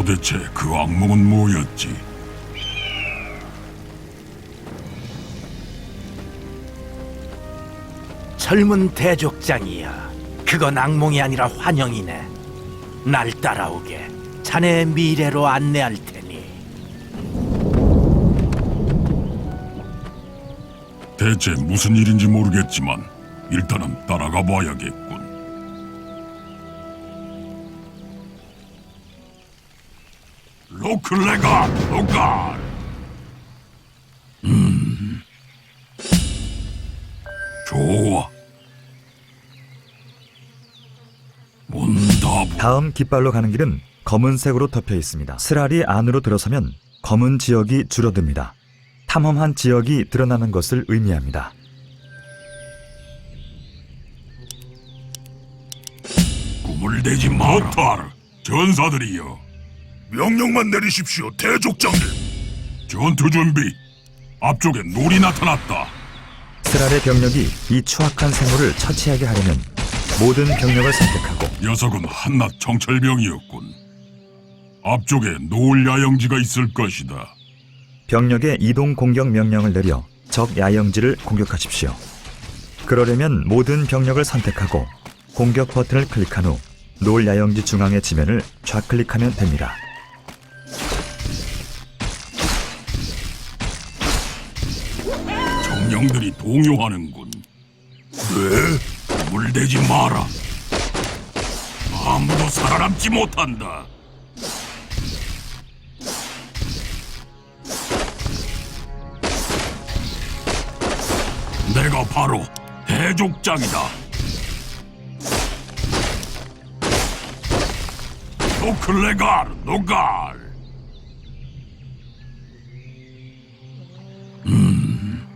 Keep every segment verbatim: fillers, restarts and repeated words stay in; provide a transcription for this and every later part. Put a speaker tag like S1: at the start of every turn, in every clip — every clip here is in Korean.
S1: 도대체 그 악몽은 뭐였지?
S2: 젊은 대족장이야. 그건 악몽이 아니라 환영이네. 날 따라오게. 자네의 미래로 안내할 테니.
S1: 대체 무슨 일인지 모르겠지만 일단은 따라가 봐야겠군. 로클레가 로갈. 음, 좋아. 문다부.
S3: 다음 깃발로 가는 길은 검은색으로 덮여 있습니다. 스랄이 안으로 들어서면 검은 지역이 줄어듭니다. 탐험한 지역이 드러나는 것을 의미합니다.
S1: 꿈을 대지 마라. 모타르, 전사들이여. 명령만 내리십시오, 대족장님. 전투 준비. 앞쪽에 놀이 나타났다.
S3: 스랄의 병력이 이 추악한 생물을 처치하게 하려면 모든 병력을 선택하고
S1: 녀석은 한낱 정찰병이었군. 앞쪽에 노을 야영지가 있을 것이다.
S3: 병력의 이동 공격 명령을 내려 적 야영지를 공격하십시오. 그러려면 모든 병력을 선택하고 공격 버튼을 클릭한 후 노을 야영지 중앙의 지면을 좌클릭하면 됩니다.
S1: 정령들이 동요하는군. 네? 물대지 마라. 아무도 살아남지 못한다. 내가 바로 대족장이다. 노클레갈 노갈. 음,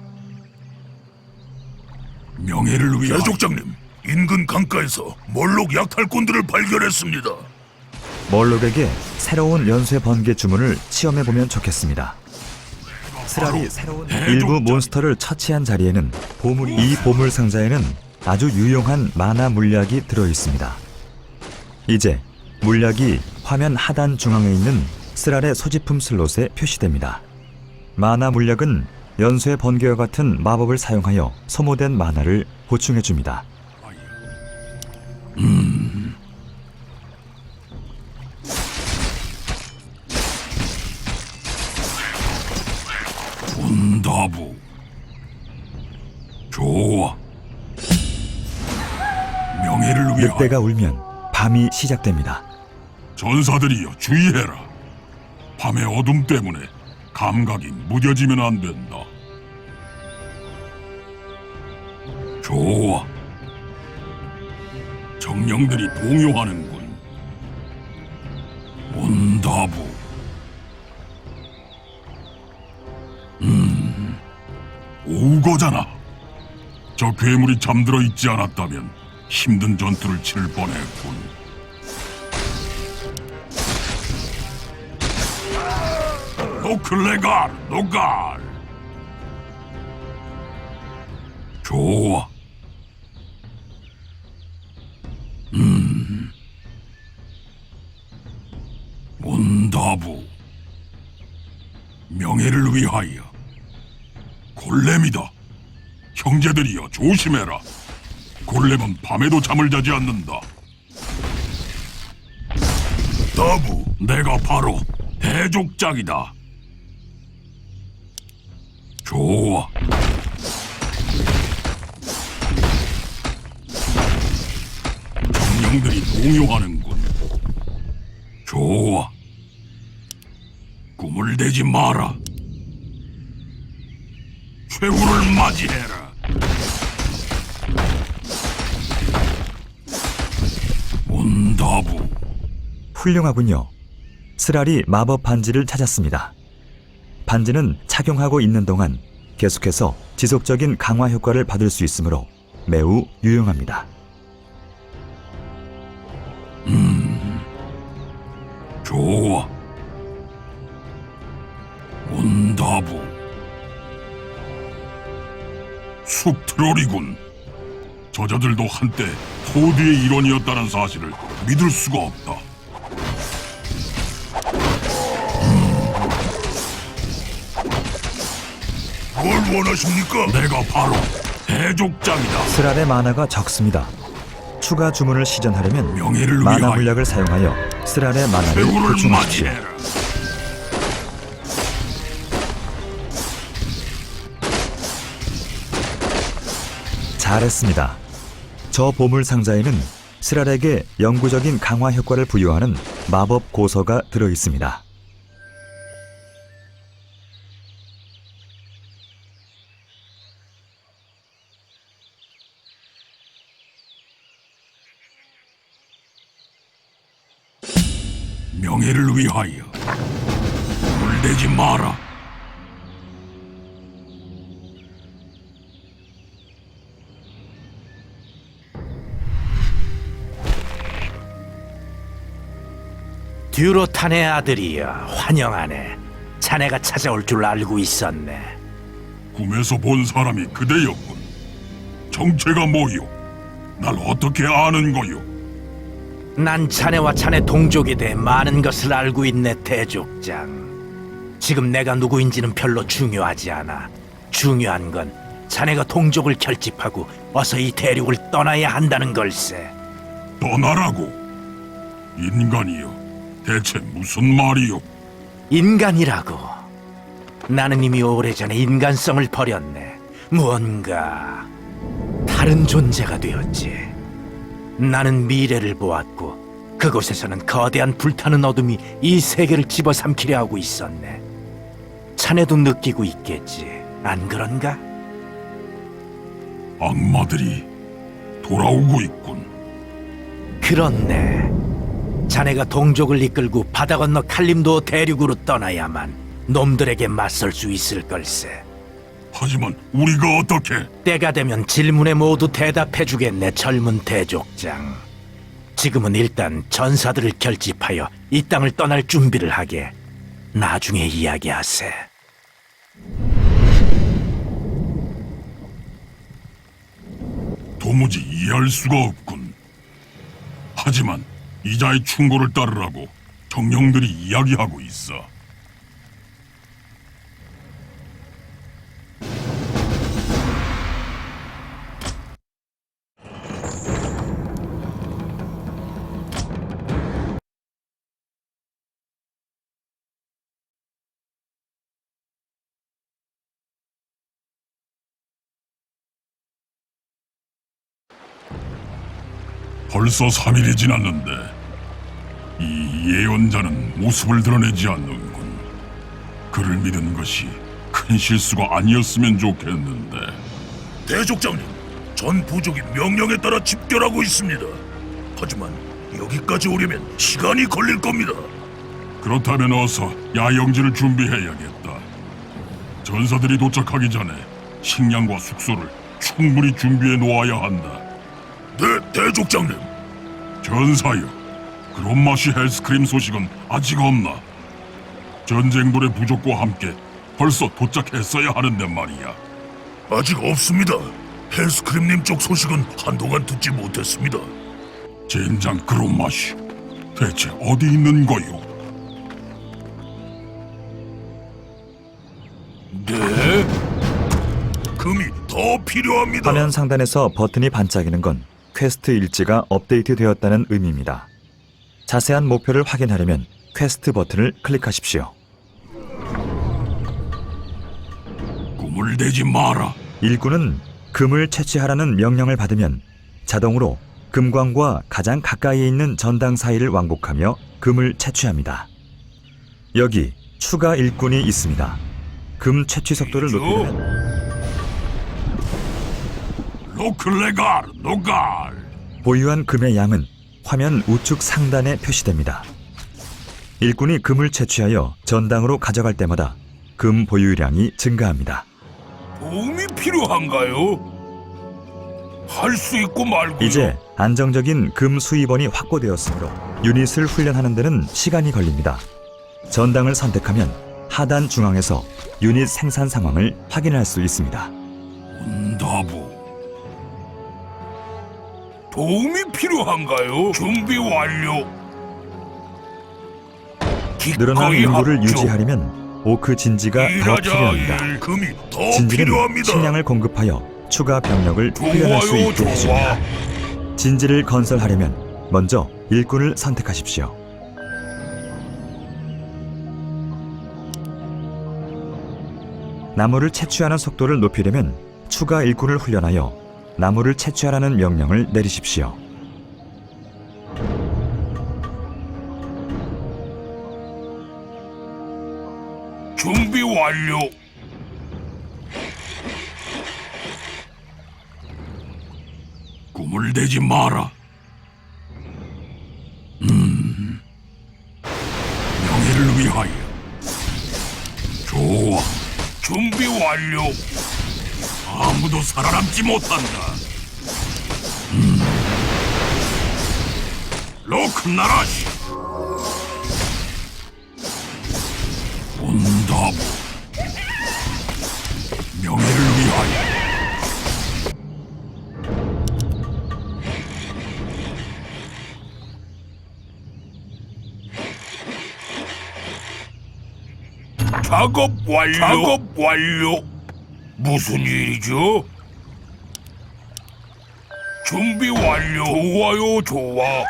S1: 명예를 위해. 대족장님, 인근 강가에서 멀록 약탈꾼들을 발견했습니다.
S3: 멀록에게 새로운 연쇄 번개 주문을 시험해보면 좋겠습니다. 스랄이 새로운 일부 몬스터를 처치한 자리에는 보물, 이 보물 상자에는 아주 유용한 마나 물약이 들어있습니다. 이제 물약이 화면 하단 중앙에 있는 스랄의 소지품 슬롯에 표시됩니다. 마나 물약은 연쇄 번개와 같은 마법을 사용하여 소모된 마나를 보충해줍니다.
S1: 음. 문다부. 좋아. 명예를 위하여.
S3: 늑대가 울면 밤이 시작됩니다.
S1: 전사들이여, 주의해라. 밤의 어둠 때문에 감각이 무뎌지면 안 된다. 좋아. 정령들이 동요하는군. 문다부. 음, 오거잖아. 저 괴물이 잠들어 있지 않았다면 힘든 전투를 치를 뻔했군. 노클레갈 노갈. 좋아. 음, 문다부. 명예를 위하여. 골렘이다. 형제들이여, 조심해라. 골렘은 밤에도 잠을 자지 않는다. 다부, 내가 바로 대족장이다. 좋아. 정령들이 동요하는군. 좋아. 꿈을 대지 마라. 최후를 맞이해라. 문다부.
S3: 훌륭하군요. 스랄이 마법 반지를 찾았습니다. 반지는 착용하고 있는 동안 계속해서 지속적인 강화 효과를 받을 수 있으므로 매우 유용합니다.
S1: 음, 좋아. 문다부. 숲 트롤이군. 저자들도 한때 호드의 일원이었다는 사실을 믿을 수가 없다. 뭘 원하십니까? 내가 바로 대족장이다.
S3: 스랄의 마나가 적습니다. 추가 주문을 시전하려면
S1: 명예를
S3: 마나
S1: 위하여
S3: 물약을 사용하여 스랄의 마나를
S1: 배우를
S3: 보충하십시오.
S1: 맞이해라.
S3: 잘했습니다. 저 보물 상자에는 스랄에게 영구적인 강화 효과를 부여하는 마법 고서가 들어 있습니다.
S1: 명예를 위하여 물대지 마라.
S2: 듀로탄의 아들이여, 환영하네. 자네가 찾아올 줄 알고 있었네.
S1: 꿈에서 본 사람이 그대였군. 정체가 뭐요? 날 어떻게 아는 거요?
S2: 난 자네와 자네 동족에 대해 많은 것을 알고 있네, 대족장. 지금 내가 누구인지는 별로 중요하지 않아. 중요한 건 자네가 동족을 결집하고 어서 이 대륙을 떠나야 한다는 걸세.
S1: 떠나라고? 인간이여, 대체 무슨 말이요?
S2: 인간이라고. 나는 이미 오래전에 인간성을 버렸네. 무언가 다른 존재가 되었지. 나는 미래를 보았고 그곳에서는 거대한 불타는 어둠이 이 세계를 집어삼키려 하고 있었네. 자네도 느끼고 있겠지, 안 그런가?
S1: 악마들이 돌아오고 있군.
S2: 그렇네. 자네가 동족을 이끌고 바다 건너 칼림도 대륙으로 떠나야만 놈들에게 맞설 수 있을 걸세.
S1: 하지만 우리가 어떻게?
S2: 때가 되면 질문에 모두 대답해주겠네, 젊은 대족장. 지금은 일단 전사들을 결집하여 이 땅을 떠날 준비를 하게. 나중에 이야기하세.
S1: 도무지 이해할 수가 없군. 하지만 이자의 충고를 따르라고 정령들이 이야기하고 있어. 벌써 삼 일이 지났는데 이 예언자는 모습을 드러내지 않는군. 그를 믿은 것이 큰 실수가 아니었으면 좋겠는데.
S4: 대족장님, 전 부족이 명령에 따라 집결하고 있습니다. 하지만 여기까지 오려면 시간이 걸릴 겁니다.
S1: 그렇다면 어서 야영지를 준비해야겠다. 전사들이 도착하기 전에 식량과 숙소를 충분히 준비해 놓아야 한다.
S4: 네, 대족장님.
S1: 전사여, 그롬마시 헬스크림 소식은 아직 없나? 전쟁돌의 부족과 함께 벌써 도착했어야 하는데 말이야.
S4: 아직 없습니다. 헬스크림님 쪽 소식은 한동안 듣지 못했습니다.
S1: 젠장 그롬마시, 대체 어디 있는 거요?
S4: 네? 금이 더 필요합니다.
S3: 화면 상단에서 버튼이 반짝이는 건 퀘스트 일지가 업데이트되었다는 의미입니다. 자세한 목표를 확인하려면 퀘스트 버튼을 클릭하십시오.
S1: 꿈을 대지 마라.
S3: 일꾼은 금을 채취하라는 명령을 받으면 자동으로 금광과 가장 가까이에 있는 전당 사이를 왕복하며 금을 채취합니다. 여기 추가 일꾼이 있습니다. 금 채취 속도를 높이면
S1: 로클레갈, 노갈.
S3: 보유한 금의 양은 화면 우측 상단에 표시됩니다. 일꾼이 금을 채취하여 전당으로 가져갈 때마다 금 보유량이 증가합니다.
S4: 도움이 필요한가요? 할 수 있고 말고요.
S3: 이제 안정적인 금 수입원이 확보되었으므로 유닛을 훈련하는 데는 시간이 걸립니다. 전당을 선택하면 하단 중앙에서 유닛 생산 상황을 확인할 수 있습니다.
S1: 응답부.
S4: 도움이 필요한가요? 준비 완료.
S3: 늘어난
S4: 기꺼이
S3: 인구를
S4: 합주.
S3: 유지하려면 오크 진지가 더
S4: 일하자
S3: 필요합니다.
S4: 일. 금이 더
S3: 진지는
S4: 필요합니다.
S3: 식량을 공급하여 추가 병력을 훈련할 수
S4: 좋아요,
S3: 있게
S4: 좋아.
S3: 해줍니다. 진지를 건설하려면 먼저 일꾼을 선택하십시오. 나무를 채취하는 속도를 높이려면 추가 일꾼을 훈련하여 나무를 채취하라는 명령을 내리십시오.
S4: 준비 완료.
S1: 꿈을 대지 마라. 음, 명예를 위하여. 좋아.
S4: 준비 완료.
S1: 아무도 살아남지 못한다. 음. 로크나라시. 온다부. 명예를 위하여.
S4: 작업 완료. 작업 완료. 무슨 일이죠? 준비 완료. 좋아요, 좋아.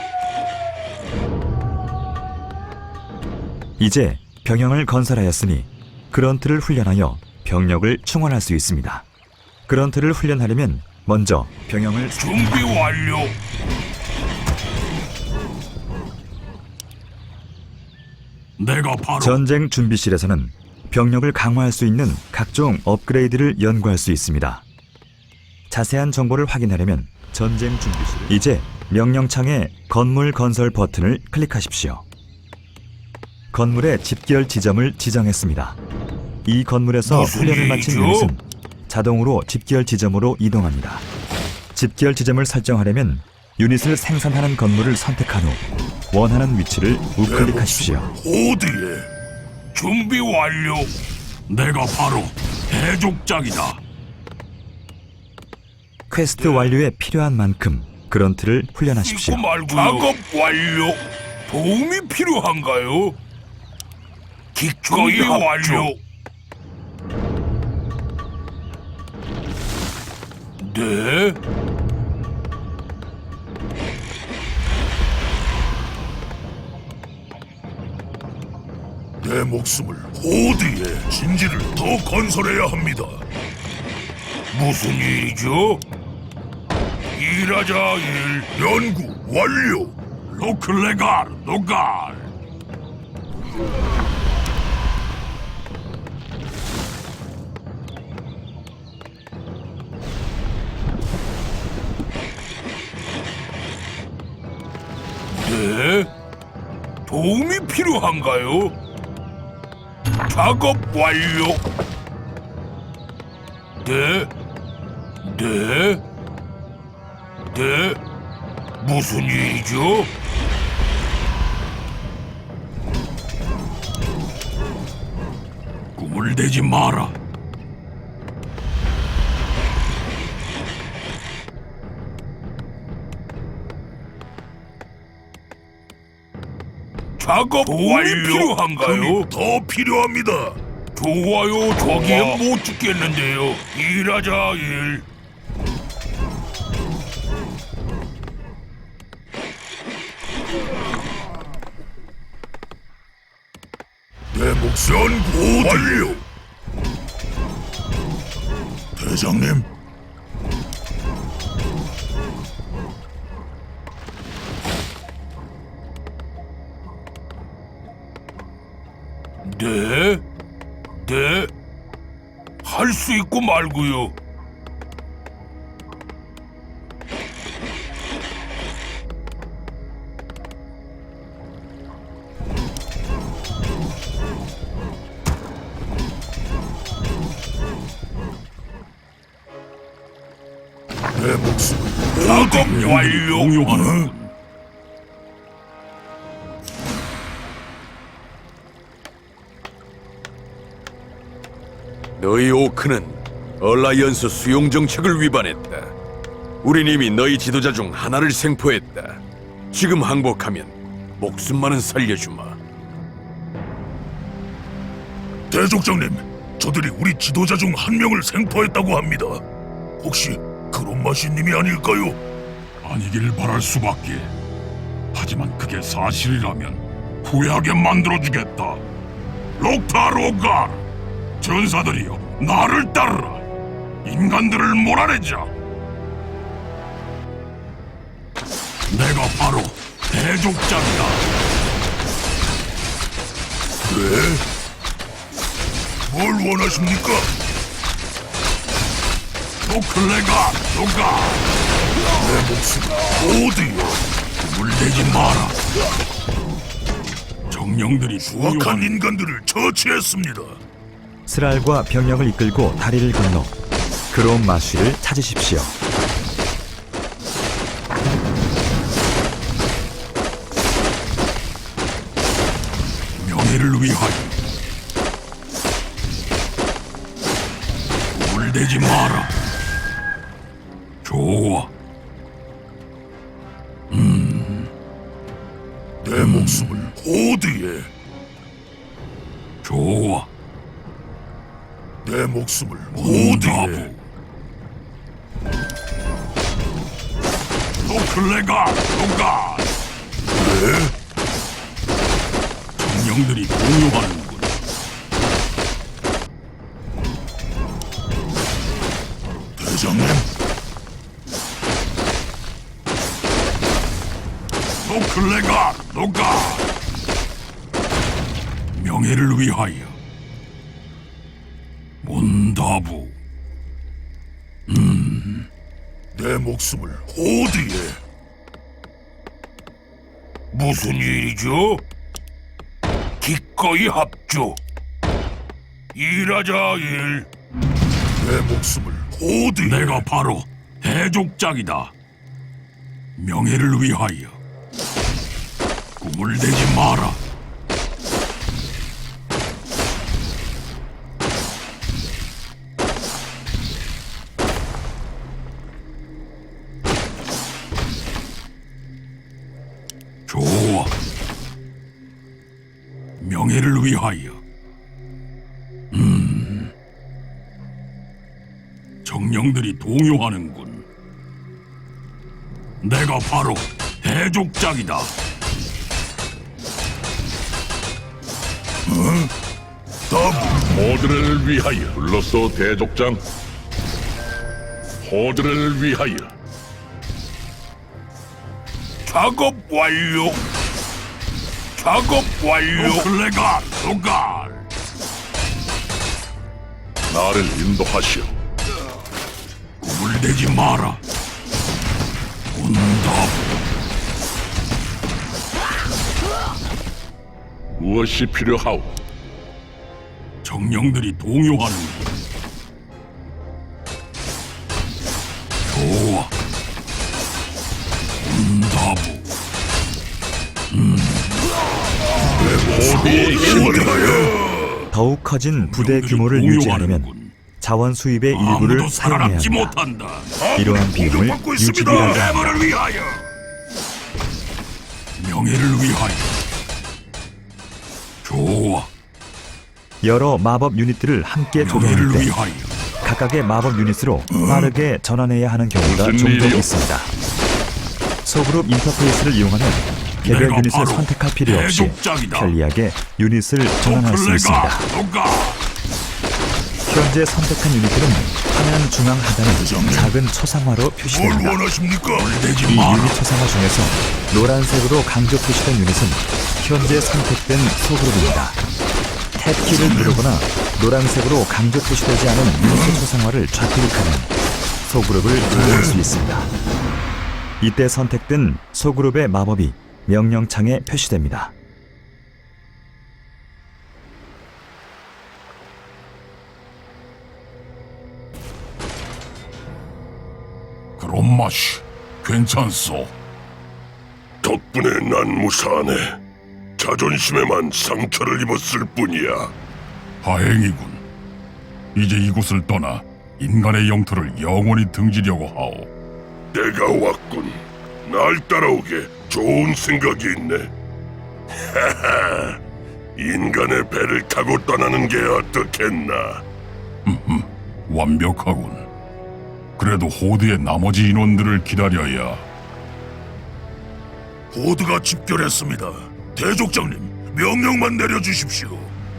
S3: 이제 병영을 건설하였으니 그런트를 훈련하여 병력을 충원할 수 있습니다. 그런트를 훈련하려면 먼저 병영을
S4: 준비 완료.
S1: 내가 바로
S3: 전쟁 준비실에서는 병력을 강화할 수 있는 각종 업그레이드를 연구할 수 있습니다. 자세한 정보를 확인하려면 전쟁 준비실 이제 명령창에 건물 건설 버튼을 클릭하십시오. 건물의 집결 지점을 지정했습니다. 이 건물에서
S4: 무슨
S3: 훈련을 마친
S4: 일이죠?
S3: 유닛은 자동으로 집결 지점으로 이동합니다. 집결 지점을 설정하려면 유닛을 생산하는 건물을 선택한 후 원하는 위치를 우클릭하십시오.
S4: 호드에 준비 완료.
S1: 내가 바로 해족장이다.
S3: 퀘스트 완료에 필요한 만큼 그런트를 훈련하십시오.
S4: 잊고 말고요. 작업 완료. 도움이 필요한가요? 기꺼이 완료. 네. 내 목숨을 호드에 진지를 더 건설해야 합니다. 무슨 일이죠? 일하자 일. 연구 완료.
S1: 로클레갈 노갈.
S4: 네? 도움이 필요한가요? 작업 완료. 네? 네? 네? 무슨 일이죠?
S1: 꿈을 대지 마라.
S4: 작업 완료. 필요한가요? 더 필요합니다. 좋아요. 저기에 못 죽겠는데요. 일하자 일. 내 목숨 완료. 대장님. 네? 네? 할 수 있고 말고요. 내 목숨 작업 완료.
S1: 공유하는
S5: 너희 오크는 얼라이언스 수용 정책을 위반했다. 우린 이미 너희 지도자 중 하나를 생포했다. 지금 항복하면 목숨만은 살려주마.
S4: 대족장님, 저들이 우리 지도자 중 한 명을 생포했다고 합니다. 혹시 그롬마시님이 아닐까요?
S1: 아니길 바랄 수밖에. 하지만 그게 사실이라면 후회하게 만들어주겠다. 록타 로갈, 전사들이여, 나를 따르라. 인간들을 몰아내자. 내가 바로 대족장이다.
S4: 네? 뭘 원하십니까?
S1: 노클레가 노가
S4: 내 목숨 어디요?
S1: 물대지 마라. 정령들이
S4: 수악한
S1: 부유한
S4: 인간들을 처치했습니다.
S3: 스랄과 병력을 이끌고 다리를 건너 그롬 마쉬를 찾으십시오.
S1: 명예를 위하여. 물대지 마라. 좋아.
S4: 내 목숨을 호드에,
S1: 좋아.
S4: 내 목숨을 호드에.
S1: 오다부. 노클레가 노가.
S4: 네?
S1: 정령들이 공유하는군.
S4: 대장님,
S1: 노클레가 노가. 명예를 위하여. 몬다부.
S4: 내 목숨을 호드에. 무슨 일이죠? 기꺼이 합주. 일하자 일. 내 목숨을 호드에.
S1: 내가 바로 대족장이다. 명예를 위하여. 꿈을 대지 마라. 좋아. 명예를 위하여. 음. 정령들이 동요하는군. 내가 바로 대족장이다.
S6: 호드를 위하여 불렀어 대족장. 호드를 위하여.
S4: 작업 완료. 작업 완료.
S1: 노클레가 노갈.
S6: 나를 인도하시오.
S1: 꿈을 대지 마라. 온다.
S6: 무엇이 필요하오?
S1: 정령들이 동요하는군. 좋아. 온다부.
S6: 호드의 힘을
S3: 더욱 커진 부대 규모를 유지하려면 자원 수입의 일부를
S1: 아무도
S3: 사용해야
S1: 살아남지
S3: 합니다.
S1: 못한다.
S3: 이러한 비용을
S4: 공격받고 있습니다.
S3: 유지비라고 합니다.
S1: 해머를 위하여. 명예를 위하여. 좋아.
S3: 여러 마법 유닛들을 함께 조종할
S1: 명예를
S3: 때
S1: 위하여.
S3: 각각의 마법 유닛으로 빠르게 전환해야 하는 경우가
S6: 무슨
S3: 종종
S6: 일이요?
S3: 있습니다. 소그룹 인터페이스를 이용하면 개별
S1: 내가
S3: 유닛을
S1: 바로
S3: 선택할 필요 없이
S1: 대족장이다.
S3: 편리하게 유닛을 전환할 수 있습니다.
S1: 노클레가 노가.
S3: 현재 선택한 유닛들은 화면 중앙 하단에 작은 초상화로
S4: 뭘
S3: 표시됩니다.
S4: 원하십니까?
S1: 대지
S3: 이
S1: 마라.
S3: 유닛 초상화 중에서 노란색으로 강조 표시된 유닛은 현재 선택된 소그룹입니다. 탭키를 누르거나 노란색으로 강조 표시되지 않은 유닛 초상화를 좌클릭하면 소그룹을 조정할 수 있습니다. 이때 선택된 소그룹의 마법이 명령창에 표시됩니다.
S1: 그런 맛이 괜찮소.
S4: 덕분에 난 무사하네. 자존심에만 상처를 입었을 뿐이야.
S1: 다행이군. 이제 이곳을 떠나 인간의 영토를 영원히 등지려고 하오.
S4: 내가 왔군. 날 따라오게 좋은 생각이 있네. 하하,
S6: 인간의 배를 타고 떠나는 게 어떻겠나?
S1: 완벽하군. 그래도 호드의 나머지 인원들을 기다려야.
S4: 호드가 집결했습니다. 대족장님, 명령만 내려주십시오.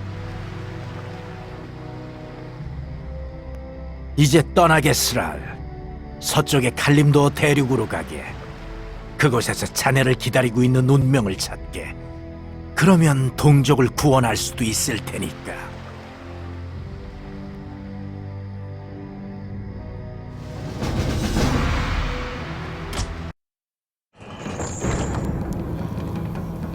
S2: 이제 떠나겠으랄. 서쪽의 칼림도 대륙으로 가게. 그곳에서 자네를 기다리고 있는 운명을 찾게. 그러면 동족을 구원할 수도 있을 테니까.